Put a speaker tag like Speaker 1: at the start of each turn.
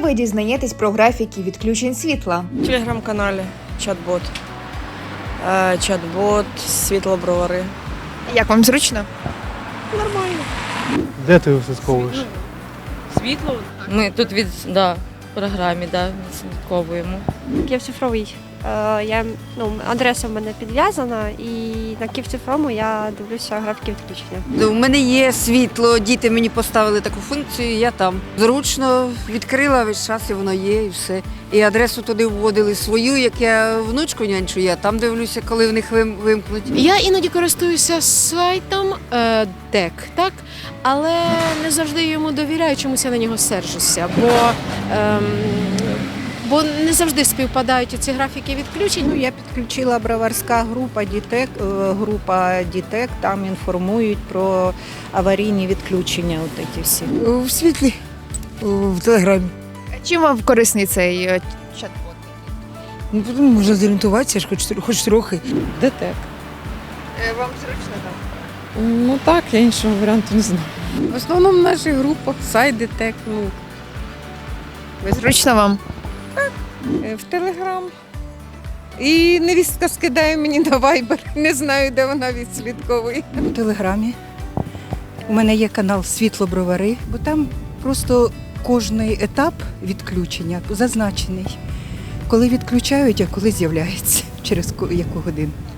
Speaker 1: ви дізнаєтесь про графіки відключень світла?
Speaker 2: В телеграм-каналі чат-бот. Чат-бот, світло-бровари.
Speaker 1: Як вам зручно?
Speaker 2: Нормально.
Speaker 3: Де ти все сховуєш?
Speaker 2: Світло?
Speaker 4: Ми тут в програмі відслідковуємо.
Speaker 5: Київцифровий. Адреса в мене підв'язана, і на Київцифровому я дивлюся графіки відключення.
Speaker 6: У мене є світло, діти мені поставили таку функцію, я там. Зручно відкрила весь час, і воно є, і все. І адресу туди вводили свою, як я внучку нянчу, я там дивлюся, коли в них вимкнуть.
Speaker 7: Я іноді користуюся сайтом ДЕК, так? Але не завжди йому довіряю, чомусь я на нього сержуся, бо не завжди співпадають ці графіки відключень.
Speaker 8: Я підключила броварська група дітек, там інформують про аварійні відключення. Всі.
Speaker 6: В світлі, в телеграмі.
Speaker 1: Чим вам корисний цей чат-бот?
Speaker 6: Можна зорієнтуватися, хоч трохи.
Speaker 9: ДТЕК.
Speaker 1: Вам зручно там?
Speaker 9: Ну так, я іншого варіанту не знаю.
Speaker 8: В основному в наших групах сайт ДТЕК,
Speaker 1: Ви зручно вам?
Speaker 8: в Телеграм. І невістка скидає мені на Вайбер, не знаю, де вона відслідковує.
Speaker 10: У Телеграмі. У мене є канал Світло-Бровари, бо там просто кожний етап відключення зазначений. Коли відключають, а коли з'являється, через яку годину.